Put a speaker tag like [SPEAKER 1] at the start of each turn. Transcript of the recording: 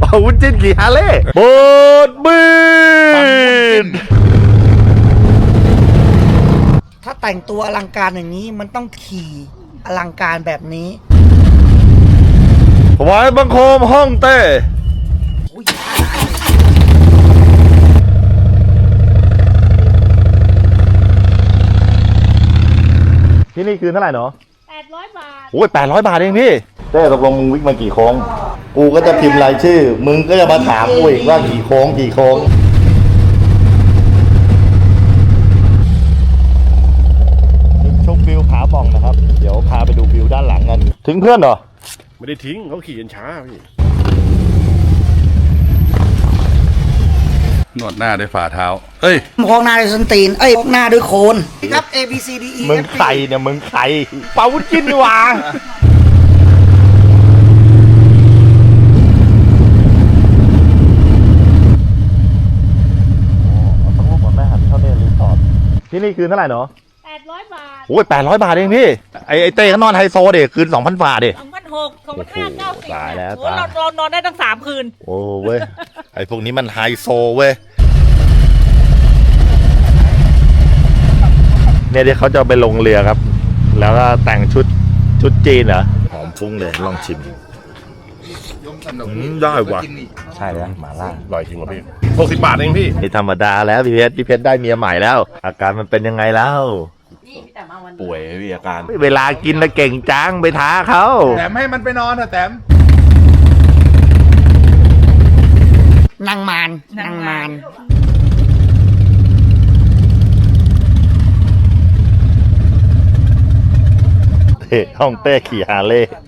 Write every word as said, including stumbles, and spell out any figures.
[SPEAKER 1] ป่าวุ้นจิ้นขี่ฮาร์เลย์บดบิน
[SPEAKER 2] ถ้าแต่งตัวอลังการอย่างนี้มันต้องขี่อลังการแบบนี้
[SPEAKER 1] ถวายบังคมห้องเต้ที่นี่คือเท่าไหร่เนาะ
[SPEAKER 3] แปดร้อยบาท
[SPEAKER 1] โอ้ยแปดร้อยบาทเองพี่เต้ตกลงมึงวิ่งมากี่โค้ง
[SPEAKER 4] กูก็จะพิมพ์รายชื่อมึงก็จะมาถามกูอีกว่ากี่โค้งกี่โค้งชมวิวผาบ่องนะครับเดี๋ยวพาไปดูวิวด้านหลังกัน
[SPEAKER 1] ทิ้งเพื่อนเหรอ
[SPEAKER 5] ไม่ได้ทิ้งเขาขี่กันช้าพี่นวดหน้าด้วยฝ่าเท้าเอ้ย
[SPEAKER 2] พอกหน้าด้วยส้นตีนเอ้ยพอกหน้าด้วยโคนครับ A B C D E
[SPEAKER 4] มึงใครเนี่ยมึงใคร
[SPEAKER 1] ป่าวุ้นจิ้นดีว่าที่นี่คืนเท่าไหร่เนาะ
[SPEAKER 3] แปดร้อยบาท
[SPEAKER 1] โอ้ยแปดร้อยบาทเองพี่ไอไอเต้เขานอนไฮโซเด็กคืนสองพันบาทเด็ก
[SPEAKER 3] สองพันหกสองพันห้าเก้าสิบ
[SPEAKER 1] ตายแล้ว
[SPEAKER 3] ตายเราเรานอนได้ตั้งสามคืน
[SPEAKER 1] โอ้เว้ยไอพวกนี้มันไฮโซเว้ยเนี่ยที่เขาจะไปลงเรือครับแล้วก็แต่งชุดชุดจีนเหรอหอมฟุ้งเลยลองชิมได้ว่ะใช่แล้วหมาล่า
[SPEAKER 5] อร่อยจริงวะพี่หกสิบบาทเองพี่
[SPEAKER 1] ไม่ธรรมดาแล้วพี่เพชรพี่เพชรได้เมียใหม่แล้วอาการมันเป็นยังไงแล้ว
[SPEAKER 5] ป่วยพี่อาการ
[SPEAKER 1] เวลากินนะเก่งจังไปท้าเขา
[SPEAKER 5] แต้มให้มันไปนอนเถอะแต้ม
[SPEAKER 2] นางมารนางมาร
[SPEAKER 1] เฮ้ห้องเต้ขี่ฮาร์เลย์